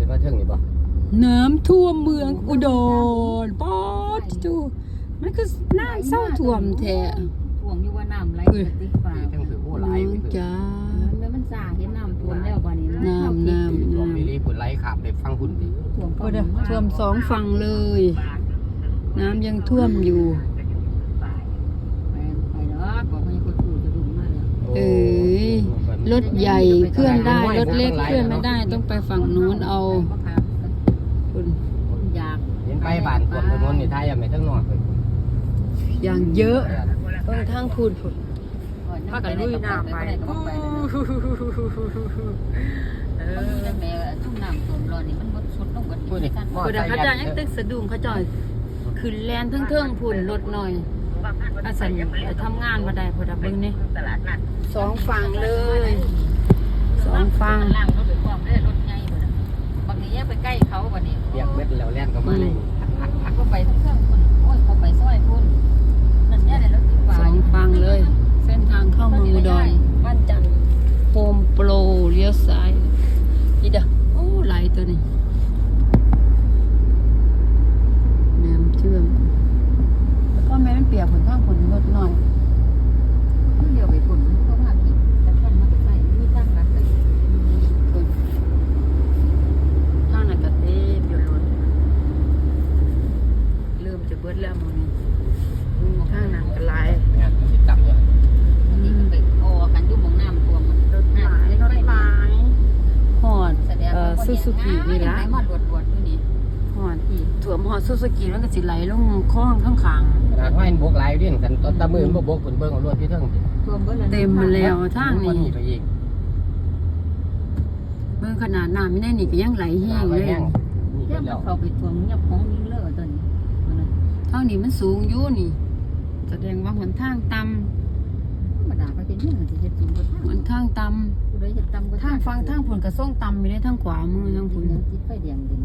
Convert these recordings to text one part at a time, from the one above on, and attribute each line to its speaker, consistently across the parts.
Speaker 1: ขึ้นมาเทิงนี่บ่
Speaker 2: น้ำท่วมเมืองอุดรป๊อดจูมันคือน้ำเศร้าท่วมแท้
Speaker 3: ท่วมอยู่ว่าน้ำไหลติดฟ้า
Speaker 1: จังถือโอ้หลาย
Speaker 2: จ้า
Speaker 3: แล้วมันซ่าเห็นน้ำท่วมแล้วบ่นี่
Speaker 2: น้ำ
Speaker 1: ท่วมมีรีปุ่นไหลข้ามไปฟังพุ่นดิ
Speaker 2: ท่วม2ฝั่งเลยน้ำยังท่วมอยู่
Speaker 3: ไปเนาะบอกให้คนถูจะดุมาแล้ว
Speaker 2: รถใหญ่เคลื่อนได้รถเล็กเคลื่อนไม่ได้ต้องไปฝั่งนู้นเอาคุณ
Speaker 3: อยาก
Speaker 1: เห็นไปบ้านท่วมถนนนี่ท้ายยังไม่ทั้งนอกเลย
Speaker 2: อย่างเยอะทางพูดพากันลุยน้ำไป
Speaker 3: แม่ทุ่งน้ำท่วมร้อนนี่มันบดสุดลงกัน
Speaker 2: พูดเขาจะยังตึกสะดุ้งเขาจ่อยขึ้นแลนเทิงๆพุ่นรถหน่อยอาศัยไปทำงานมาได้พอดับเบิ้งนี่2 ฝั่งเลย2 ฝั่ง
Speaker 3: ล่างรถไปพร้อมได้รถใหญ่บ่ล่ะบางทีไปใกล้เขาบ่นี่
Speaker 1: เปียกเม็ดแล้วแล่นก็มาเลย
Speaker 3: ก็ไปทั้งเครื่องพุ่นโอ้ยเขาไปซอยพุ่นนั่นเนี่ยได้รถติดฟ้า
Speaker 2: 2 ฝั่งเลยเส้นทางเข้าเมืองอุดรบ้านจันทร์โฮมโปรเลี้ยวซ้ายอีเด้อโอ้ไหลตัวนี้น้ำเชื่อมแล้วก็แม่มันเปียกผลข้างผลรถหน่อย
Speaker 3: เดี๋ยวไปพุ่นเขาพาขี่แต่ท่านมาไปใส่มีตั้งรักเลย
Speaker 2: ทางนั้นก็เต็มอยู่รถเริ่มจะเบิดแล้วมื้อนี้ทางนั้นก็หลาย
Speaker 1: เนี่ยติดจับเนี่ย
Speaker 3: อันนี้มันไปออกันอยู่มองน้ำท่วมมัน
Speaker 2: รถไม้ฮอดซูซูกินี่ล่ะ
Speaker 3: ฮอดบวดอยู่นี่
Speaker 2: ฮอดท่วมฮอดซูซูกิมันก็สิไหลลงคลองข้าง
Speaker 1: ขนาดว่าเห็นบกหลายอยู่ดิกันตะมือมันบ่บกเพิ่นเบิ่งเอารถที่เทิงสิ
Speaker 2: เต็มมาแล้วทางนี้
Speaker 1: ไปอีก
Speaker 2: เบิ่งขนาดน้ำไม่ได้นี่ก็ยังไหลแห้งเลย
Speaker 3: เดี๋ยวมันเข้าไปท่วมเงียบของนี่เลอะตอนนี้
Speaker 2: ทางนี้มันสูงอยู่นี่แสดงว่าหนทางต่
Speaker 3: ำธรรมดาไปเป็นยังสิเฮ็ดสูงกว่า
Speaker 2: หนทางต่ำ
Speaker 3: ผู้ใดเฮ็ดต่ำกว่า
Speaker 2: ทางฟังทางผลกระส่งต่ำไม่ได้ทางขวามือทางผล
Speaker 3: ติดไฟแดงดิน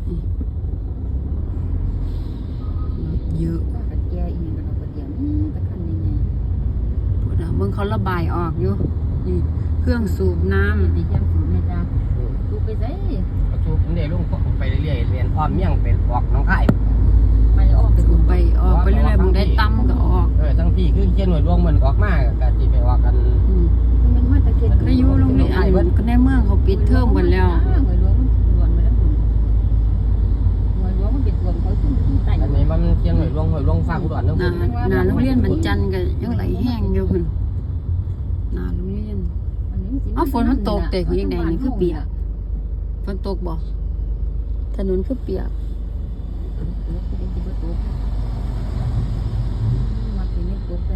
Speaker 2: เยอะ
Speaker 3: ก็แก่อีกแล้วก็เดียวนี่ตะคันยังไง
Speaker 2: พวกมึงเขาระบายออกอยู่นี่เครื่องสูบน้ำ
Speaker 3: นี่เครื่องสูบเนี่ยจ้าสูบไปไส
Speaker 1: สูบมันได้ลงไปเรื่อยๆเรียนอ้อมเมี่ยงเป็นออกน้องค่าย
Speaker 3: ไปออก
Speaker 2: ไปเรื่อยๆมึงได้ตั้มก็ออก
Speaker 1: ทั้งพี่คือเขียนหน่วยรวงมันออกมาก็สิไปออกกัน
Speaker 3: มันมาตะเคียน
Speaker 2: ก็อยู่โรงเรียนก็ในเมืองเขาปิดเทอมกันแล้ว
Speaker 3: หน่วยรวงมันรวนมาแล้วคุณหน่วยรวงมันเป็นรวมเขาขึ้นใต้
Speaker 1: อันนี้มันเขียนหน่วยรวงฝากอุดรนึง
Speaker 2: นาโรงเรียนมันจันก็ยังไหลแห้งอยู่คุณนาโรงเรียนฝนมันตกแต่คือยังไงนี่คือเปียกฝนตกบ่ถนนคือเปียก